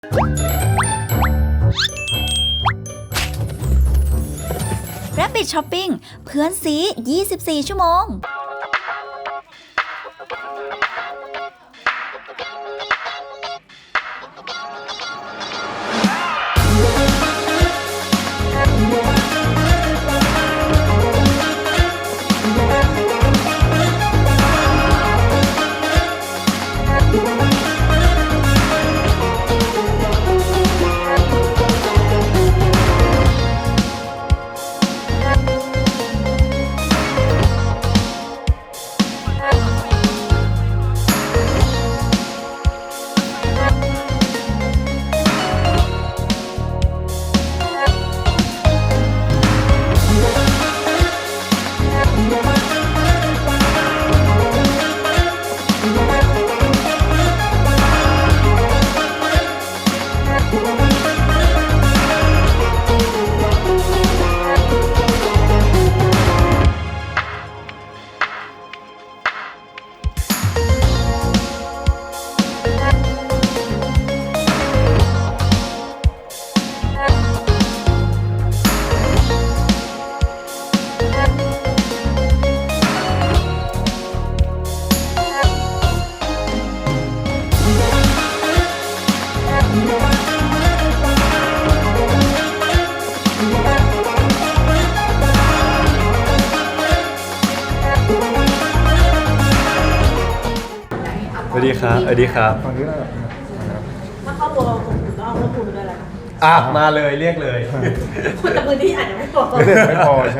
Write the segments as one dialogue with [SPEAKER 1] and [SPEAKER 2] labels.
[SPEAKER 1] Rabbit Shopping เพื่อนซี24 ชั่วโมง
[SPEAKER 2] สวัสดีครับสวัสดีครับ
[SPEAKER 3] ตอนนี้เรา
[SPEAKER 4] ถ้าเข้าตัวเราผมก็เอาเรื่องคุณด้วยแหละ
[SPEAKER 2] มาเลยเรียกเลย
[SPEAKER 4] คนแต่พื้นที่อาจจะไม่พอ
[SPEAKER 3] ไม่พอใช่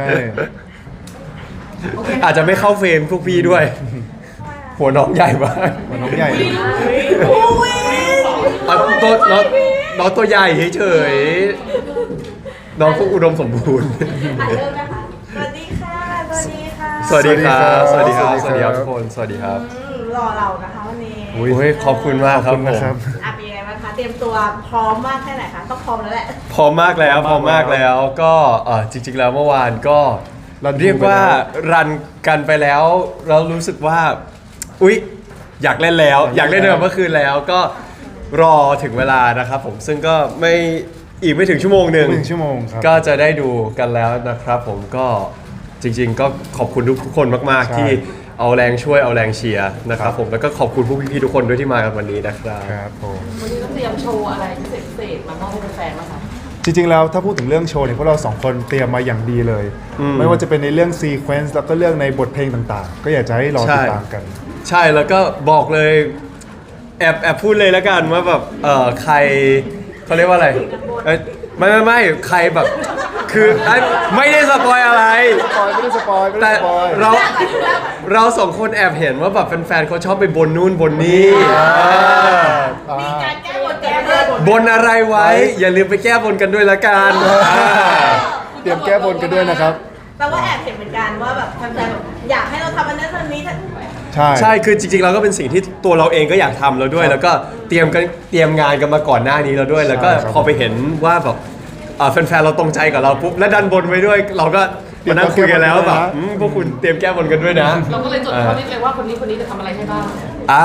[SPEAKER 2] อาจจะไม่เข้าเฟรมพวกพี่ด้วย หัวน้องใหญ่มาก
[SPEAKER 3] มันน้องใหญ่
[SPEAKER 4] โอ้ย
[SPEAKER 2] ตัวน้องตัวใหญ่เฉยๆน้องก็อุดมสมบูรณ์
[SPEAKER 4] เริ่มนะคะสวัสดีค่ะสวัสดีค่ะ
[SPEAKER 2] สวัสดีครับ สวัสดีครับ สวัสดีครับทุกคน สวัสดีครับ
[SPEAKER 4] รอเรานะคะวันนี้
[SPEAKER 3] อุ๊ย
[SPEAKER 2] โอ้ยขอบคุณมากครับ
[SPEAKER 3] ขอบคุณนะครับ
[SPEAKER 4] เป็นยังไงบ้างคะเตรียมตัวพร้อมมากแค่ไหนคะต้องพร้อมแล้วแหละ
[SPEAKER 2] พร้อมมากแล้วพร้อมมากแล้วก็จริงๆแล้วเมื่อวานก็
[SPEAKER 3] รัน
[SPEAKER 2] เรียกว่ารันกันไปแล้วเรารู้สึกว่าอุ๊ยอยากเล่นแล้ว อยากเล่นเมื่อคืนแล้วก็รอถึงเวลานะครับผมซึ่งก็ไม่ถึงชั่วโมงหนึ่ง
[SPEAKER 3] 1 ชั่วโมงครับ
[SPEAKER 2] ก็จะได้ดูกันแล้วนะครับผมก็จริงๆก็ขอบคุณทุกคนมากๆ
[SPEAKER 3] ใช่
[SPEAKER 2] ที่เอาแรงช่วยเอาแรงเชียร์นะครับผมแล้วก็ขอบคุณพวกพี่ๆทุกคนด้วยที่มากันวันนี้นะครับ
[SPEAKER 3] ครับผม
[SPEAKER 5] วันนี้ต้องเตรียมโชว์อะไรพิเศษๆมามอบให้แฟนๆบ้างคะ
[SPEAKER 3] จริงๆแล้วถ้าพูดถึงเรื่องโชว์เนี่ยพวกเราสองคนเตรียมมาอย่างดีเลย ไม่ว่าจะเป็นในเรื่องซีเควนซ์แล้วก็เรื่องในบทเพลงต่างๆ ก็อยากจะให้รอติดตามกัน
[SPEAKER 2] ใช่แล้วก็บอกเลยแอบพูดเลยแล้วกันว่าแบบใครเขาเรียกว่าอะไรไม่ใครแบบคือไม่ได้สปอยอะไร
[SPEAKER 3] ไม่ได้สปอยไม่
[SPEAKER 2] แต่
[SPEAKER 3] ได้สปอย
[SPEAKER 2] เราสองคนแอบเห็นว่าแบบแฟนๆเขาชอบไปบนนู่นบนนี่
[SPEAKER 4] มีการแก้บนแก้บน
[SPEAKER 2] บนอะไรไว้ อย่าลืมไปแก้บนกันด้วยละกัน
[SPEAKER 3] เตรียมแก้บนกันด้วยนะครับ
[SPEAKER 4] แปลว่าแอบเห็นเหมือนกันว่าแบบแฟนๆแบบอยากให้เราทำอันนั้นอันนี้
[SPEAKER 3] ใช่
[SPEAKER 2] ใช่คือจริงๆเราก็เป็นสิ่งที่ตัวเราเองก็อยากทำแล้วด้วย แล้วก็เตรียมงานกันมาก่อนหน้านี้แล้วด้วย แล้วก็พอไปเห็นว่าแบบแฟนๆเราตรงใจกับเราปุ๊บและดันบนไว้ด้วย เราก็มานั่งคุยกันแล้วแบบพวกคุณเตรียมแก้บนกันด้วยนะ
[SPEAKER 5] เราก็เลยจดข้อนี้เลยว่าคนนี้จะทำอะไรให้บ้าง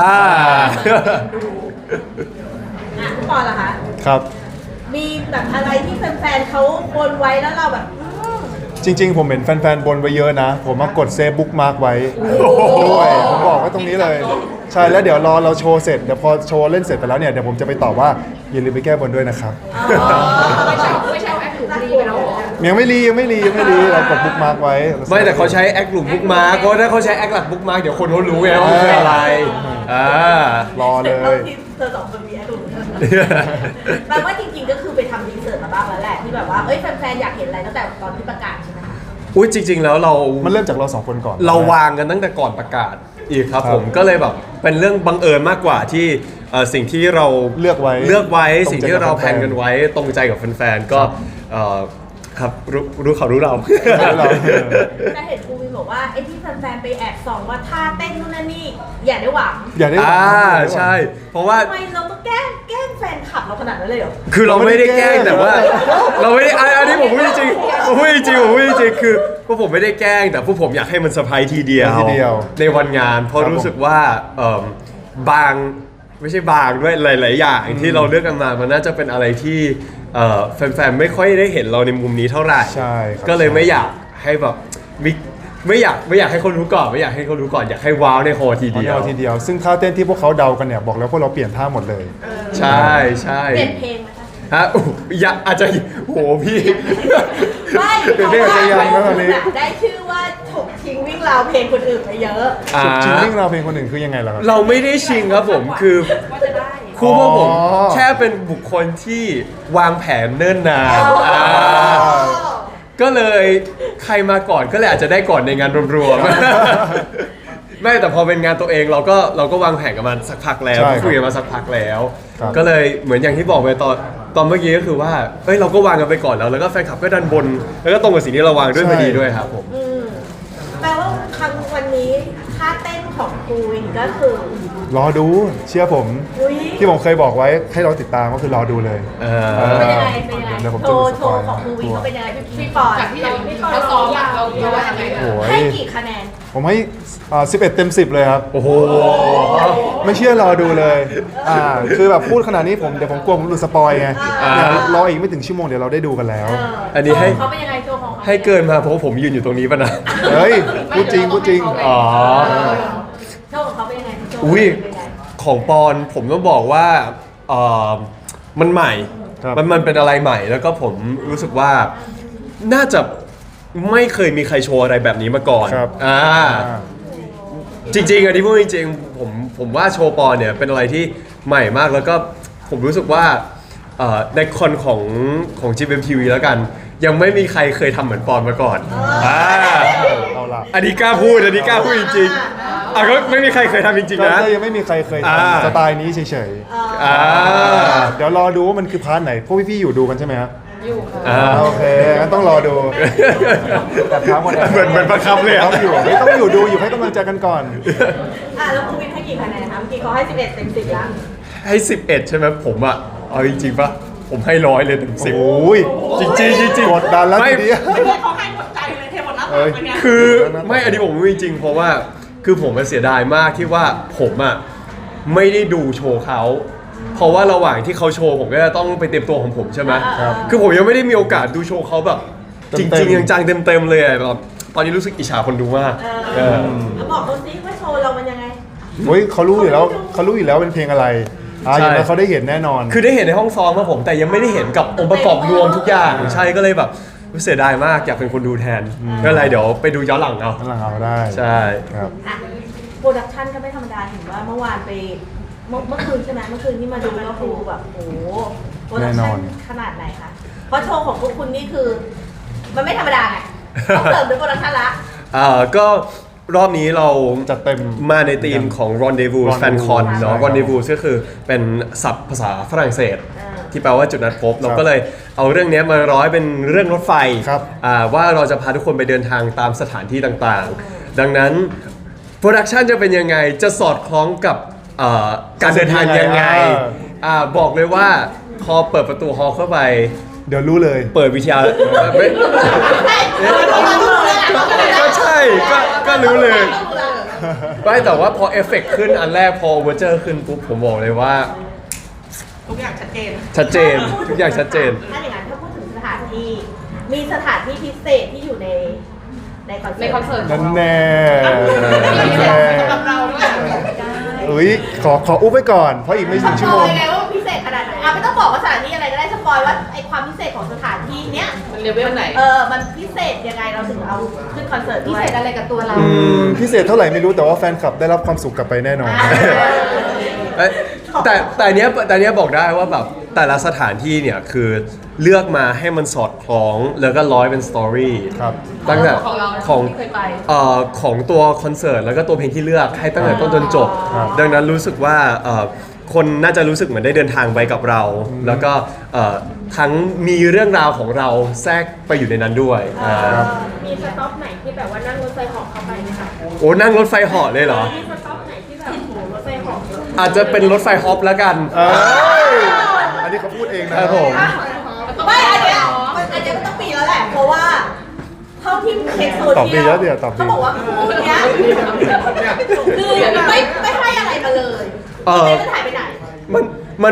[SPEAKER 4] ทุกคนล่ะคะ
[SPEAKER 3] ครับ
[SPEAKER 4] มีแบบอะไรที่แฟนๆเขาบนไว้แล้วเราแบบ
[SPEAKER 3] จริงๆ ผมเห็นแฟนๆ บนไว้เยอะนะ ผมมากดเซฟบุ๊กมาร์กไว้ด้วยผมบอกไว้ตรงนี้เลย ใช่แล้วเดี๋ยวรอเราโชว์เสร็จเดี๋ยวพอโชว์เล่นเสร็จไปแล้วเนี่ยเดี๋ยวผมจะไปตอบว่าอย่าลืมไปแก้บนด้วยนะครับ
[SPEAKER 5] ไม่ใช่เอาแอปถูกรีไปแล้วเหรอ
[SPEAKER 3] ยังไม่รีเรากดบุ๊กมาร์กไว้
[SPEAKER 2] ไม่แต่เขาใช้แอคกลุ่มบุ๊กมาร์กเพราะถ้าเขาใช้แอคหลักบุ๊กมาร์กเดี๋ยวคนเขารู้ไงว่ามันคืออะไร
[SPEAKER 3] รอเลย
[SPEAKER 4] เธอสองคนมีไอ้หนุ่มแปลว่าจริงๆก็คือไปทำรีเสิร์ชมาบ้างแล้วแหละที่แบบว่าเอ้ยแฟนๆอยากเห็นอะไรตั้งแต่ตอนที่ประกาศใช่ไหมคะ
[SPEAKER 2] อุ้ยจริง ๆ แล้วเรา
[SPEAKER 3] มันเริ่มจากเราสองคนก่อน
[SPEAKER 2] เราวางกันตั้งแต่ก่อนประกาศอีกครับ
[SPEAKER 3] ครับ
[SPEAKER 2] ผมก็เลยแบบเป็นเรื่องบังเอิญมากกว่าที่สิ่งที่เรา
[SPEAKER 3] เลือกไว้ ตรงใจกับ
[SPEAKER 2] สิ่งที่เราแพลนกันไว้ตรงใจกับแฟนๆก็ครับรู้เขารู้เรา
[SPEAKER 4] แต่เห็นครูวินบอกว่าไอ้ที่แฟนๆไปแอบส่องว่าท่าเต้นนู่นนั่นนี่อย่าได้หวัง
[SPEAKER 3] อย่าได้หวัง
[SPEAKER 2] ใช่ เพราะว่า
[SPEAKER 4] ทำไมเราต้องแกล้งแฟนคลับเราขนาดนั้นเลยเหรอ
[SPEAKER 2] คือเราไม่ได้แกล้งแต่ว่า เราไม่ได้อันนี้ผมพูดจริงผมพูดจริงคือพวกผมไม่ได้แกล้งแต่พวกผมอยากให้มันเซอร์ไพรส์ทีเดียวในวันงานเพราะรู้สึกว่าไม่ใช่บางด้วยหลาย ๆ อย่างที่เราเลือกกันมามันน่าจะเป็นอะไรที่แฟน ๆ ไม่ค่อยได้เห็นเราในมุมนี้เท่าไหร่
[SPEAKER 3] ใช่ครับ
[SPEAKER 2] ก็เลยไม่อยากให้แบบไม่อยากให้คนรู้ก่อนไม่อยากให้คนรู้ก่อนอยากให้ว้าวในโฮทีเดียว
[SPEAKER 3] ทีเดียวซึ่งท่าเต้นที่พวกเขาเดากันเนี่ยบอกแล้วพวกเราเปลี่ยนท่าหมดเลย
[SPEAKER 2] ใช่ใช่
[SPEAKER 4] เปลี่ยนเพลงไหมคะ
[SPEAKER 2] ฮะอยากอาจจะโหพี่
[SPEAKER 4] ไม่
[SPEAKER 3] เปลี่ยนเพลงอาจจะยังนะตอนนี้
[SPEAKER 4] ได้ชื่อว่าถกทิ้งวิ่งราวเพลงคนอื่นไปเยอะ
[SPEAKER 3] จริงๆเรื่องราวเพลงคนอื่นคือยังไงล่ะครับ
[SPEAKER 2] เราไม่ได้ชิงครับผมคือ
[SPEAKER 5] ว่าจะได้
[SPEAKER 2] ครูพวกผม
[SPEAKER 3] อ๋อ
[SPEAKER 2] แค่เป็นบุคคลที่วางแผนเนิ่นนาน
[SPEAKER 3] อ๋อ
[SPEAKER 2] ก็เลยใครมาก่อนก็เลยอาจจะได้ก่อนในงานรวมๆ ไม่แต่พอเป็นงานตัวเองเราก็วางแผนกันมาสักพักแล้ว
[SPEAKER 3] ใช่ครับ
[SPEAKER 2] คุยกันมาสักพักแล้ว
[SPEAKER 3] ครับ
[SPEAKER 2] ก็เลยเหมือนอย่างที่บอกไปตอนเมื่อกี้ก็คือว่าเอ้ยเราก็วางกันไปก่อนแล้วก็แฟนคลับก็ดันบน แล้วก็ตรงกับสิ่งที่เราวางด้วยพอดีด้วยครับผม
[SPEAKER 4] แปลว่าครั้งวันนี้ท่าเต้นของครูวินก็คือ
[SPEAKER 3] รอดูเชื่อผม
[SPEAKER 4] อุ้ย
[SPEAKER 3] ที่ผมเคยบอกไว้ให้เราติดตามก็คือรอดูเลย
[SPEAKER 4] เป็นยังไงเป็นยังไง
[SPEAKER 3] เดี๋ยวผม
[SPEAKER 4] โช
[SPEAKER 3] จะ
[SPEAKER 4] ว์
[SPEAKER 3] มีส
[SPEAKER 4] โช
[SPEAKER 3] ปอย
[SPEAKER 4] ว์
[SPEAKER 3] ล์
[SPEAKER 4] ของครูวินเขาเป็นยังไงพี่ปอน
[SPEAKER 5] จากที่อย่าง
[SPEAKER 4] พี่
[SPEAKER 5] ที่
[SPEAKER 4] ปอน
[SPEAKER 5] เขาซ้อมอะเราว่ายังไง
[SPEAKER 3] โอ้ย
[SPEAKER 4] ให้กี่คะแนน
[SPEAKER 3] ผมให้11 เต็ม 10 เลยครับ
[SPEAKER 2] โอ้โห
[SPEAKER 3] ไม่เชื่อรอดูเลยคือแบบพูดขนาดนี้เดี๋ยวผมกลัวผมหลุดสปอยไง
[SPEAKER 2] อ่า
[SPEAKER 3] เนี่ยรออีกไม่ถึงชั่วโมงเดี๋ยวเราได้ดูกันแล้ว
[SPEAKER 2] อันนี้ให้
[SPEAKER 4] โชว์เขาเป็นยังไงโชว์ของเขา
[SPEAKER 2] ให้เกินมาเพราะว่าผมยืนอยู่ตรงนี้ป่ะนะ
[SPEAKER 3] เฮ้ยพูดจริงพูดจริง
[SPEAKER 2] อ๋อ
[SPEAKER 4] โชว์ของเขาเป็นยังไงโชว์
[SPEAKER 2] อุ้ย
[SPEAKER 4] เป็นยังไง
[SPEAKER 2] ของปอนผมต้องบอกว่าเอ่อมันใหม่
[SPEAKER 3] ครับ
[SPEAKER 2] มันเป็นอะไรใหม่แล้วก็ผมรู้สึกว่าน่าจะไม่เคยมีใครโชว์อะไรแบบนี้มาก่อน
[SPEAKER 3] ครับ
[SPEAKER 2] อ่าจริงๆอันนี้พูดจริงๆผมว่าโชว์ปอนเนี่ยเป็นอะไรที่ใหม่มากแล้วก็ผมรู้สึกว่าในคอนของ GMMTV แล้วกัน ยังไม่มีใครเคยทำเหมือนปอนมาก่อนอ่า
[SPEAKER 3] เอาล่ะ
[SPEAKER 2] อันนี้กล้าพูดจริงๆก็ไม่มีใครเคยทำจริงๆนะ
[SPEAKER 3] ก็ยังไม่มีใครเคย
[SPEAKER 2] อ่า
[SPEAKER 3] ทำสไตล์นี้เฉย
[SPEAKER 2] อ่า
[SPEAKER 3] ๆเดี๋ยวรอดูว่ามันคือพาร์ทไหนพวกพี่ๆอยู่ดูกันใช่ไหมครับ
[SPEAKER 5] อยู่ค่ะ
[SPEAKER 2] อ่า
[SPEAKER 3] โอเคงั้นต้องรอดูแต่ถามคน
[SPEAKER 2] เหมือนประคับเลยอะ
[SPEAKER 3] ต้องอยู่ไม่ต้องอยู่ดูอยู่ให้กำลังใจกันก่อน
[SPEAKER 4] แล้วครูวินให้กี่คะแนนคะเมื่อกี้เขาให้11 เต็ม 10แล้ว
[SPEAKER 2] ให้ 11 ใช่ไหมผมอะเอาจริงๆปะผมให้100เลยเต็ม10
[SPEAKER 3] โอ้ย
[SPEAKER 2] จริงๆจริงๆ
[SPEAKER 3] กดดันแล้ว
[SPEAKER 2] ไม่
[SPEAKER 3] ทีเดียว
[SPEAKER 5] เขาให้หมดใจเลยเทหมดหน้า
[SPEAKER 3] เอ้
[SPEAKER 5] ตัก
[SPEAKER 3] ย
[SPEAKER 5] เป็นไง
[SPEAKER 2] คือไม่อันนี้ผมไม่จริงๆเพราะว่าคือผมมันเสียดายมากที่ว่าผมอะไม่ได้ดูโชว์เขาเพราะว่าระหว่างที่เขาโชว์ผมก็จะต้องไปเตรียมตัวของผมใช่ไหม
[SPEAKER 3] ครับ
[SPEAKER 2] คือผมยังไม่ได้มีโอกาสดูโชว์เขาแบบจ
[SPEAKER 3] เต็
[SPEAKER 2] ริง
[SPEAKER 3] มๆ
[SPEAKER 2] ๆจังๆเต็มๆเลยอะแบบตอนนี้รู้สึกอิจฉาคนดูมากเออ
[SPEAKER 4] แล้วบอกเขาสิว่าโชว์เรามันยังไง
[SPEAKER 3] เฮ้ยเขารู้อยู่แล้วเป็นเพลงอะไรอย่างนั้นเขาได้เห็นแน่นอน
[SPEAKER 2] คือได้เห็นในห้องซ้อมครับผมแต่ยังไม่ได้เห็นกับองค์ประกอบรวมทุกอย่างใช่ก็เลยแบบเสียดายมากอยากเป็นคนดูแทนก็เลยเดี๋ยวไปดูย้อนหลังเอา
[SPEAKER 3] นั่นแหละเอาได้
[SPEAKER 2] ใช่
[SPEAKER 3] ครับ
[SPEAKER 4] อ่ะโปรดักชันก็ไม่ธรรมดาเห็นว่าเมื่อวานไปเมื่อคืนใช่ไหมเมื่อคืนที่มาดูก็คือแบบโอ้โหโปรดัก
[SPEAKER 3] แน่น
[SPEAKER 4] ชั
[SPEAKER 3] อน
[SPEAKER 4] นขนาดไหนคะเพราะโชว์ของพวกคุณนี่คือ มันไม่ธรรมดาไงต้องเสริมด้วยโปรดักชันละ
[SPEAKER 2] ก็รอบนี้เรา
[SPEAKER 3] จัดเต็ม
[SPEAKER 2] มาในธีมของ Rendezvous
[SPEAKER 3] Rendezvous
[SPEAKER 2] Fan Con เนาะ
[SPEAKER 3] ใช่ครับ
[SPEAKER 2] Rendezvous ก็คือเป็นศัพท์ภาษาฝรั่งเศส
[SPEAKER 4] อ่า
[SPEAKER 2] ที่แปลว่าจุดนัดพบ เราก็เลยเอาเรื่องนี้มาร้อยเป็นเรื่องรถไฟ
[SPEAKER 3] ครับ
[SPEAKER 2] ว่าเราจะพาทุกคนไปเดินทางตามสถานที่ต่างๆ ดังนั้นโปรดักชันจะเป็นยังไงจะสอดคล้องกับการเดินทางยังไงบอกเลยว่าพอเปิดประตูฮอลล์เข้าไป
[SPEAKER 3] เดี๋ยวรู้เลย
[SPEAKER 2] เปิดวิทยาไม่ ก็ใช่ก็รู้เลยไม่แต่ว่าพอเอฟเฟกต์ขึ้นอันแรกพอเวอร์เจอร์ขึ้นปุ๊บผมบอกเลยว่า
[SPEAKER 5] ทุกอย่างชัดเจน
[SPEAKER 2] ชัดเจนทุกอย่างชัดเจน
[SPEAKER 4] ถ้าอย่างนั้นถ้าพูดถึงสถานที่ มีสถานที่พิเศษที่อยู่ในคอนเสิร์ต
[SPEAKER 5] ในคอนเสิร์ต
[SPEAKER 3] นั่นแน่
[SPEAKER 5] มีพิเศ
[SPEAKER 3] แน่
[SPEAKER 5] ษสำหรับเราด้วย
[SPEAKER 3] เอ้ยขออุ๊บไว้ก่อน เพราะอีกไม่ถึงชั่วโมง
[SPEAKER 4] สปอยไงว่าพิเศษขนาดไหนไม่ต้องบอกว่าสถานที่อะไรก็ได้สปอยว่าไอความพิเศษของสถานที่เนี้ย
[SPEAKER 5] มันเลเวลไหน
[SPEAKER 4] มันพิเศษยังไงเราถึงเอาขึ้นคอนเสิร์ตพิเศษอะไรกับตัวเรา
[SPEAKER 3] พิเศษเท่าไหร่ไม่รู้แต่ว่าแฟนคลับได้รับความสุขกลับไปแน่นอน
[SPEAKER 2] เอ้ยแต่อันเนี้ยบอกได้ว่าแบบแต่ละสถานที่เนี่ยคือเลือกมาให้มันสอดคล้องแล้วก็ร้อยเป็นสตอรี่
[SPEAKER 3] ครับ
[SPEAKER 2] ตั้งแต่
[SPEAKER 5] ของเรา
[SPEAKER 2] ของ
[SPEAKER 5] ที่เคยไป
[SPEAKER 2] ของตัวคอนเสิร์ตแล้วก็ตัวเพลงที่เลือกให้ตั้งแต่ต้นจนจบ
[SPEAKER 3] ครับ
[SPEAKER 2] ดังนั้นรู้สึกว่าคนน่าจะรู้สึกเหมือนได้เดินทางไปกับเรา แล้วก็ทั้งมีเรื่องราวของเราแทรกไปอยู่ในนั้นด้วยา
[SPEAKER 6] มีสต็อปไหนที่แบบว่านั่งรถไฟเหาะเข้าไปไหมคะ
[SPEAKER 2] โอ้นั่งรถไฟเหาะเลยเหรอ
[SPEAKER 6] มีสต็อปไหนที่แบบโหรถไฟเหาะ
[SPEAKER 2] อาจจะเป็นรถไฟฮอปแล้วกัน
[SPEAKER 3] เอ้ยอันนี้เขาพูดเองนะครับ
[SPEAKER 2] ผม
[SPEAKER 4] ไม่อันเนี้ยก็ต้องปีแล้วแหละ เพราะว่าเท่าที่เช็คโซเชียล
[SPEAKER 3] ตอบปีแล้วเดี๋ยวตอบปี
[SPEAKER 4] เขาบอกว่าคู่เนี้ยคือไม่ให้อะไรมาเลย
[SPEAKER 2] เออ
[SPEAKER 4] เต้มันหายไปไหน
[SPEAKER 2] มัน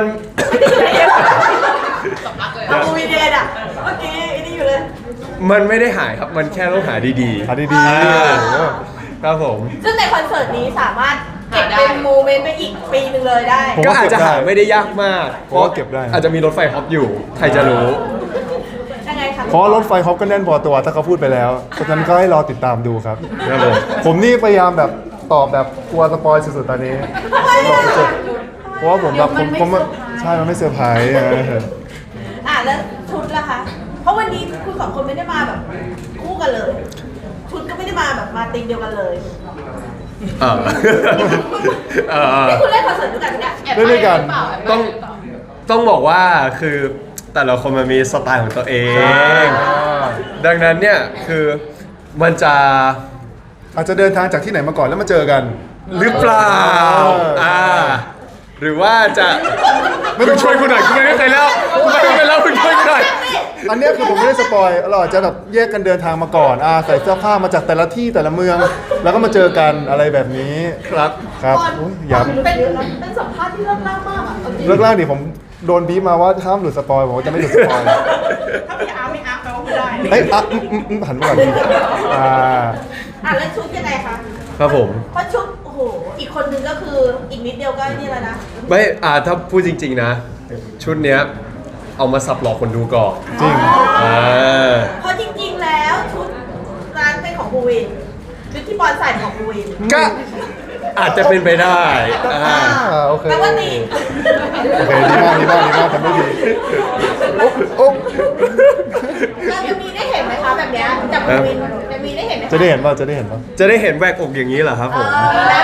[SPEAKER 4] เอาบูวินเดนอ่ะเมื่อกี้ไอ้นี่อยู่เลย
[SPEAKER 2] มันไม่ได้หายครับ มันแค่ต้องหาดี
[SPEAKER 3] หาดี
[SPEAKER 2] อ่า
[SPEAKER 3] ๆ
[SPEAKER 2] ครับผม
[SPEAKER 4] ซึ่งในคอนเสิร์ตนี้สามารถเก็บเป็นโมเมนต์ไปอีกปีหนึ่งเลยได้
[SPEAKER 3] ผม
[SPEAKER 2] ก็
[SPEAKER 3] ว่า
[SPEAKER 2] อาจจะหาไม่ได้ยากมาก
[SPEAKER 3] ผมว่าเก็บได้นะ
[SPEAKER 2] อาจจะมีรถไฟฮอปอยู่ ใครจะรู้
[SPEAKER 4] ยังไงคะ
[SPEAKER 3] เพราะรถไฟฮอปก็แน่นพอตัวถ้าเขาพูดไปแล้วเพราะฉะนั้นก็ให้รอติดตามดูครับ
[SPEAKER 2] ครับผม
[SPEAKER 3] ผมนี่พยายามแบบตอบแบบกลัวสปอยสุดๆตอนนี้เพราะว่าผมแบบผมใช่มันไม่เซอร์ไพรส์
[SPEAKER 4] แล้วชุดล่ะคะ เพราะวันนี้คุณสองคนไม่ได้มาแบบคู่กันเลย ชุดก็ไม่ได้มาแบบมาตีมเดียวกันเลย
[SPEAKER 2] เออเออ
[SPEAKER 4] นี่คุณเล่นคอนเสิร์ตด้วยกันเนี่ย
[SPEAKER 3] เล่นด้วยกัน
[SPEAKER 2] ต้องบอกว่าคือแต่ละคนมันมีสไตล์ของตัวเอง ดังนั้นเนี่ยคือมันจะ
[SPEAKER 3] อาจจะเดินทางจากที่ไหนมาก่อนแล้วมาเจอกัน
[SPEAKER 2] หรือเปล่า อ่า หรือว่าจะไม่ต้องช่วยคุณหน่อยคุณไม่เป็นแล้วคุณไม่เป็นแล้วคุณช่วยคุณหน่อย
[SPEAKER 3] อันเนี้ยคือผมไม่ได้สปอยเราอาจจะแบบแยกกันเดินทางมาก่อนใส่เสื้อผ้ามาจากแต่ละที่แต่ละเมือง แล้วก็มาเจอกันอะไรแบบนี้
[SPEAKER 2] ครับ
[SPEAKER 3] ครับโอ้ยย้
[SPEAKER 4] เป็นสัมภาษณ์ที่เลิศมากมากอ่ะเอาจริ
[SPEAKER 3] ำ
[SPEAKER 4] ง
[SPEAKER 3] เลิกล่างดิผมโดนบีบมาว่าห้ามหลุดสปอยผมก็จะไม่หลุดสปอย
[SPEAKER 4] ถ้าพี่อาร์ไม่อาร์แปลว่าไม่ได้
[SPEAKER 3] เอ้ยหันมาก่อน
[SPEAKER 4] แล้วชุดยังไงคะ
[SPEAKER 2] ครับผม
[SPEAKER 4] เพราะชุดโอ้โหอีกคนนึงก็คืออีกนิดเดียวก็นี่แล้วนะ
[SPEAKER 2] ไม่ถ้าพูดจริง ๆ นะ ชุดเนี้ยเอามาสับหลอกคนดูก่อน
[SPEAKER 3] จริง
[SPEAKER 4] เพราะจริงๆแล้วชุดร้านเป็นของบูวินชุดที่บอลใส่ของบูวิน
[SPEAKER 2] ก็อาจจะเป็นไปได้
[SPEAKER 3] โอเค
[SPEAKER 4] แปลว่าตี
[SPEAKER 3] โอเคดีมากทำได้ดีโอ้
[SPEAKER 4] เราจะมีได้เห็นไหมคะแบบเนี้ยจากบูวินจะมีได้เห็นไหมคะ
[SPEAKER 3] จะได้เห็นป่ะจะได้เห็นป่ะ
[SPEAKER 2] จะได้เห็นแหวกอกอย่างนี้เหรอครับผม
[SPEAKER 4] แล้ว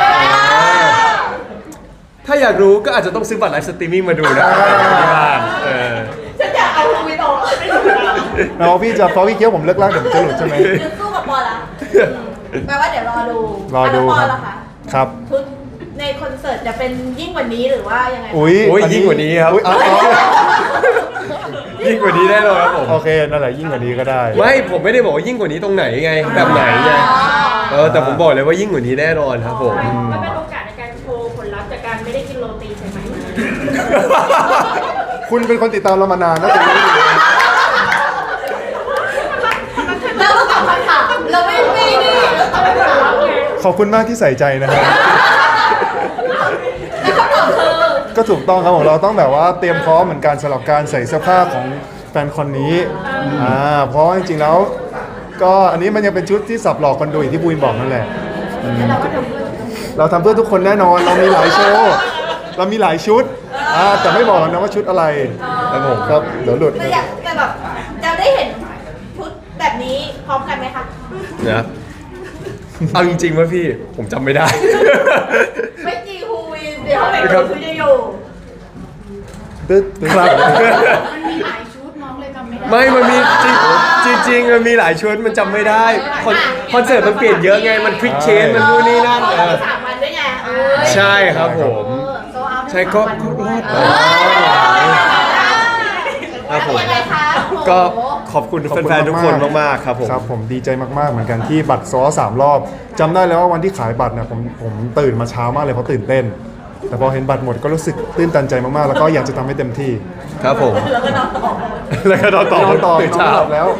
[SPEAKER 2] ถ้าอยากรู้ก็อาจจะต้องซื้อบัตรไลฟ์สตรีมมิ่งมาดูนะที่บ้าน
[SPEAKER 4] ฉันอยากเอาบูวินออกไม่ถูกแล้ว
[SPEAKER 3] แล้วพี่จะพอพี่เคี้ยวผมเลิกล่างเดี๋ยวผมจะหลุดใช่ไหม
[SPEAKER 4] คือสู้กับบอลละแปลว่าเดี๋ยวรอดู
[SPEAKER 3] รอดู
[SPEAKER 4] บอ
[SPEAKER 3] ค
[SPEAKER 4] ล
[SPEAKER 3] รับ
[SPEAKER 4] ละคะ
[SPEAKER 3] ครับ
[SPEAKER 4] ชุดในคอนเสิร์ตจะเป็นยิ่งกว่านี้หรือว่ายังไงคะ
[SPEAKER 3] อุ้ย
[SPEAKER 2] โอ้ยยิ่งกว่านี้ครับ ยิ่งกว่านี้แน่นอนครับผม
[SPEAKER 3] โอเคนั่นแหละยิ่งกว่านี้ก็ได้
[SPEAKER 2] ไม่ผมไม่ได้บอกว่ายิ่งกว่านี้ตรงไหนไง แบบไหนไงแต่ผมบอกเลยว่ายิ่งกว่านี้แน่นอนครับผม
[SPEAKER 6] มันเป็นโอกาสในการโชว์ผลลัพธ์จากการไม่ได้กินโรตีใช่ไหม
[SPEAKER 3] คุณเป็นคนติดตามเรามานานนะแต่ยังไม่รู้
[SPEAKER 4] เราต้องตอบคำถามเราไม่นี่เราตอบคำถาม
[SPEAKER 3] ขอบคุณมากที่ใส่ใจนะครับ
[SPEAKER 4] แล้วคำตอบคือ
[SPEAKER 3] ก็ถูกต้องครับผมเราต้องแบบว่าเตรียมพร้อมเหมือนกันสำหรับการใส่เสื้อผ้าของแฟนคนนี้เพราะจริงๆแล้ว ก็อันนี้มันยังเป็นชุดที่สับหลอกคนดูอย่างที่บูนบอกนั่นแหละเราทำเพื่อทุกคนแน่นอนเรามีหลายโชว์เรามีหลายชุดแต่ไม่บอกนะว่าชุดอะไรครับผมครับเดี๋ยวหลุด
[SPEAKER 4] แต่แบบจะได้เห็นชุดแบบนี้พร้อมกันไหมคะ
[SPEAKER 2] นะเอาจริงๆว่าพี่ผมจำไม่ได้
[SPEAKER 4] ไม่จริงฮูวินเดี๋ยวไหนก็คือจะอยู่
[SPEAKER 2] ครับ
[SPEAKER 5] มันมีหลายชุดน้องเลยจำไม่ได้
[SPEAKER 2] ไม่มันมีจริงมันมีหลายชุดมันจำไม่ได้คอนเสิร์ตมันเปลี่ยนเยอะไงมันควิกเชนมันนู่นนี่นั่น
[SPEAKER 4] เพราะว่ามี3 วันด้วยไง
[SPEAKER 2] ใช่ครับผม
[SPEAKER 4] โซเอา
[SPEAKER 2] ใช่ก็รอดครับผม
[SPEAKER 4] ยังไงคะ
[SPEAKER 2] ก็ขอบคุณแฟนๆทุกคนมากๆครับผม
[SPEAKER 3] ครับผมดีใจมากๆเหมือนกันที่บัตรซ้อ3 รอบจำได้แล้วว่าวันที่ขายบัตรเนี่ยผมตื่นมาเช้ามากเลยเพราะตื่นเต้น แต่พอเห็นบัตรหมดก็รู้สึกตื้นตันใจมากๆแล้วก็อยากจะทำให้เต็มที่
[SPEAKER 2] ครับผม
[SPEAKER 4] แล้วก็นอนต่อ
[SPEAKER 2] แล้วก็นอนต่อน
[SPEAKER 3] อนต่อ
[SPEAKER 2] ตื่น
[SPEAKER 3] นอน
[SPEAKER 2] เช้า
[SPEAKER 3] ไม่หลับแล้ว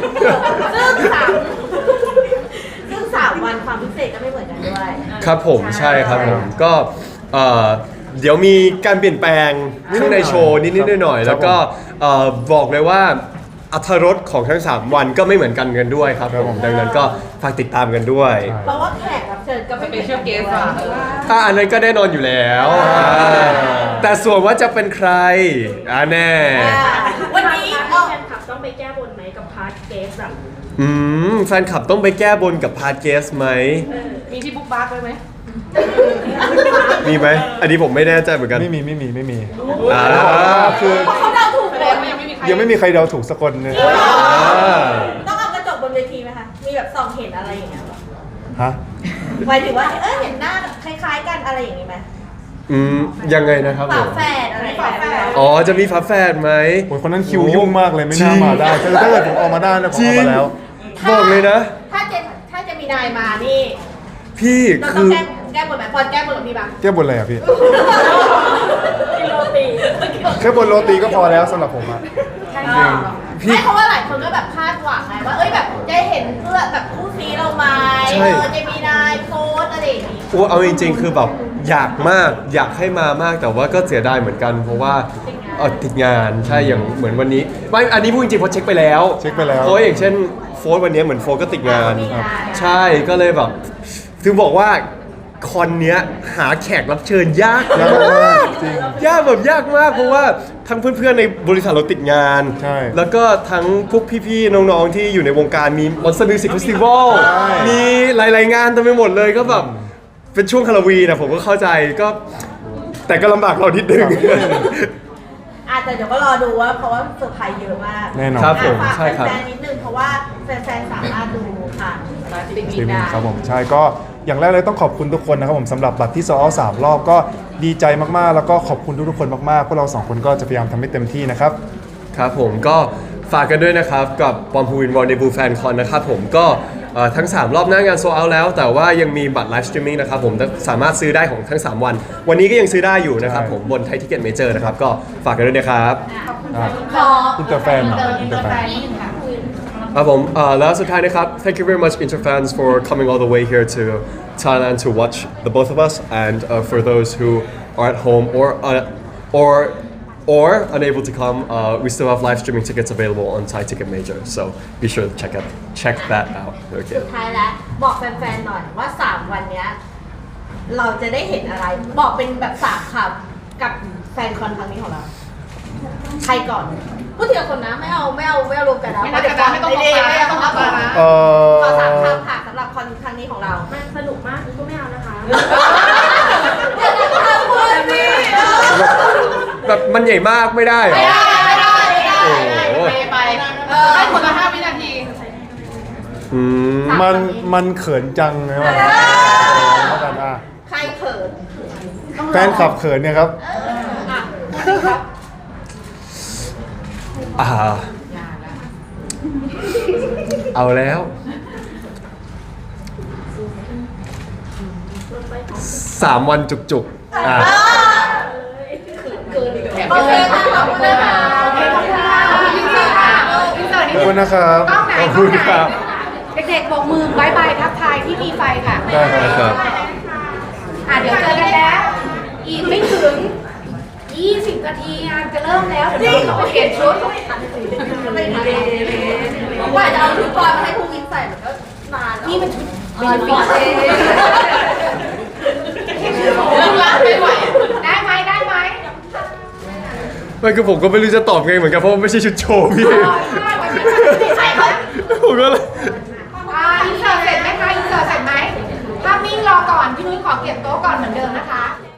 [SPEAKER 4] ซึ่ง3 วันความพิเศษก็ไม่เหมือนกันด้วย
[SPEAKER 2] ครับผมใช่ครับผมก็เดี๋ยวมีการเปลี่ยนแปลงข้างในโชว์นิดๆหน่อยๆแล้วก็บอกเลยว่าอรรถรสของทั้ง 3 วันก็ไม่เหมือนกันด้วยครับผมดังนั้นก็ฝากติดตามกันด้วย
[SPEAKER 4] เพราะว่าแขกรับเชิญก็ไม่เป็นเชื่อเกสอ่ะ
[SPEAKER 2] อันนั้นก็แน่นอนอยู่แล้วแต่ส่วนว่าจะเป็นใครแน่
[SPEAKER 4] วันนี้
[SPEAKER 6] พาร์ทที่แฟนคลับต้องไปแก้บนไหมกับพาร์ทเกสอะ
[SPEAKER 2] แฟนคลับต้องไปแก้บนกับพาร์ทเกสไหม
[SPEAKER 5] มีที่บุ๊กบาร์กไว้ไหม
[SPEAKER 2] มีไหมอันนี้ผมไม่แน่ใจเหมือนกัน
[SPEAKER 3] ไม่มี
[SPEAKER 2] อ่า
[SPEAKER 3] คือ
[SPEAKER 4] เขาเดาถูกเลย
[SPEAKER 3] ยังไม่มีใครเดาถูกสักคนเลย
[SPEAKER 4] ต้องเอากระจกบนเวทีไหมคะ มีแบบส่องเห็นอะไรอย่างเงี้ย
[SPEAKER 3] ฮะ
[SPEAKER 4] หมายถึงว่าเห็นหน้าคล้ายๆกันอะไรอย่างงี้ไหม
[SPEAKER 2] ยังไงนะครับผ
[SPEAKER 4] ฝาม แฝดอะไรฝาแฝด
[SPEAKER 2] อ๋อจะมีฝาแฝดไหม
[SPEAKER 3] โอ้ยคนนั้นคิวยุ่งมากเลยไม่น่ามาได้ถ้าเกิดผมออกมาได้นะผมออกมาแล้ว
[SPEAKER 2] บอกเลยนะ
[SPEAKER 4] ถ้าจะมีนายมานี่
[SPEAKER 2] พี่
[SPEAKER 4] เราต้
[SPEAKER 2] คือ อง
[SPEAKER 4] แก้บนไหมพอแก้บนกับพี่บ้าง
[SPEAKER 3] แก้บนอะไรอ่ะพี่
[SPEAKER 6] กินโรตี
[SPEAKER 3] แค่บนโรตีก็พอแล้วสำหรับผมอ่ะ
[SPEAKER 2] พี่
[SPEAKER 4] ไม่เพราะว่าหลายคนก็แบบคาดหวังไงว่าเอ้ยแบบจะเห็นเพื่อแบบคู่ซีเราไหม
[SPEAKER 2] ใช่
[SPEAKER 4] จะมีนายโพสอะไรอย่างงี้
[SPEAKER 2] โอ้เอาจริงๆ คือแบบอยากมากอยากให้มามากแต่ว่าก็เสียดายเหมือนกัน เพราะว่าติดงานใช่อย่างเหมือนวันนี้ไม่อันนี้พูดจริงๆเพราะเช็คไปแล้ว
[SPEAKER 3] เช็คไปแล้ว
[SPEAKER 2] เพราะอย่างเช่นโฟร์วันนี้เหมือนโฟร์ก็ติดงาน
[SPEAKER 4] มีงาน
[SPEAKER 2] ใช่ก็เลยแบบถึงบอกว่าคอนเนี้ยหาแขกรับเชิญยาก
[SPEAKER 3] ยาก
[SPEAKER 2] มาม
[SPEAKER 3] าก กจริง
[SPEAKER 2] ยากแบบยากมากเพราะว่าทั้งเพื่อนๆในบริษัทเราติดงาน
[SPEAKER 3] ใช่
[SPEAKER 2] แล้วก็ทั้งพวกพี่ๆน้องๆที่อยู่ในวงการมี Monster Music Festival
[SPEAKER 3] ใช่
[SPEAKER 2] มีหลายๆงานเต็มไปหมดเลยก็แบบเป็นช่วงฮาโลวีนนะผมก็เข้าใจก็แต่ก็ลำบากเรานิดนึง
[SPEAKER 4] แต่เดี๋ยวก็รอดูว่าเพราะว่าเซอร์ไพรส์เยอะมาก
[SPEAKER 3] แน่นอน
[SPEAKER 2] ครับผม
[SPEAKER 4] ฝาก
[SPEAKER 2] ใช่ครับ
[SPEAKER 4] แฟนๆนิดนึงเพราะว่าแฟนๆสามารถดูผ่าน
[SPEAKER 3] สตรีมมิ่งครับผมใช่ก็อย่างแรกเลยต้องขอบคุณทุกคนนะครับผมสำหรับบัตรที่โซลเอาท์3 รอบก็ดีใจมากๆ แล้วก็ขอบคุณทุกๆคนมากๆพวกเรา2 คนก็จะพยายามทำให้เต็มที่นะครับ
[SPEAKER 2] ครับผมก็ฝากกันด้วยนะครับกับปอมพูวินวอลเดบูแฟนคอนนะครับผมก็ทั้ง 3 รอบหน้างานโซเอาแล้ว แต่ว่ายังมีบัตรไลฟ์สตรีมมิ่งนะครับผมสามารถซื้อได้ของทั้ง 3 วัน วันนี้ก็ยังซื้อได้อยู่นะครับ
[SPEAKER 3] ใช่
[SPEAKER 2] ผมบนไทยทิเก็ตเมเจอร์นะครับก็ฝากกันด้วยนะครับ
[SPEAKER 4] ขอ
[SPEAKER 3] อินเตอร์แฟนเหรออินเตอร์แฟน
[SPEAKER 4] นิดนึงค่ะ
[SPEAKER 2] ครับผมแล้วสุดท้ายนะครับ thank you very much Interfans for coming all the way here to Thailand to watch the both of us and for those who are at home or unable to come we still have live streaming tickets available on Thai Ticket Major so be sure to check that out โอเค
[SPEAKER 4] สุดท้ายแล้วบอกแฟนๆหน่อยว่า 3 วันเนี้ยเราจะได้เห็นอะไร บอกเป็นแบบ3คำกับแฟนคอนครั้งนี้ของเรา ใครก่อนพูดทีละคนนะไม่เอารวมกันนะ
[SPEAKER 5] ไม่ต้องบอก
[SPEAKER 4] ไม่ต้องบอก
[SPEAKER 5] นะ
[SPEAKER 4] ขอ3คำค่ะสำหรับคอนครั้งนี้ของเรา
[SPEAKER 6] มันสนุกมากก็ไม่เอานะคะ
[SPEAKER 4] อย่าทำพูดสิ
[SPEAKER 2] แบบมันใหญ่มากไม่ได้เหรอ โอ้โห
[SPEAKER 5] ไปให้คนละ5 วินาที
[SPEAKER 2] อืม
[SPEAKER 3] มันเขินจังนะว่าแล้วกันอ่ะ
[SPEAKER 4] ใครเขิน
[SPEAKER 3] แฟนขับเขินเนี่ยครับ
[SPEAKER 4] อ่ะครับ
[SPEAKER 2] เอาแล้ว 3 วันจุกๆอ่ะ
[SPEAKER 4] โอเคค่ะขอบคุณนะคะโอเคขอบคุณค่ะ
[SPEAKER 5] อินเสิร์ตค่ะอินเสิร์ต
[SPEAKER 3] ขอบคุณนะครับ
[SPEAKER 5] กล้องไหน
[SPEAKER 2] ขอบคุณครับ
[SPEAKER 5] เด็กๆบอกมือบายบายทักทายที่มีไฟค่ะ
[SPEAKER 3] ได้ครับ
[SPEAKER 2] ครับ
[SPEAKER 5] เดี๋ยวเจอกันแล้ว อีกไม่ถึง 20 นาทีงานจะเริ่มแล้ว เดี๋ยวเราต้องเปลี่ยนชุด
[SPEAKER 4] ไม่ทันกว่าจะเอาชุดบอลมาให้ครูวินใส่มันก็นานแล้ว
[SPEAKER 5] นี่มันชุด
[SPEAKER 4] บอลปีเ
[SPEAKER 5] ไม่ไหวได้ไหม
[SPEAKER 2] ไม่คือผมก็ไม่รู้จะตอบไงเหมือนกันเพราะว่าไม่ใช่ชุดโชว์พี่
[SPEAKER 5] ใช่ค่ะ
[SPEAKER 2] ผมก็เลย
[SPEAKER 5] อินเสิร์ตเสร็จไหมคะอินเสิร์ตเสร็จไหมภาพนิ่งรอก่อน พี่นุ้ยขอเก็บโต๊ะก่อนเหมือนเดิมนะคะ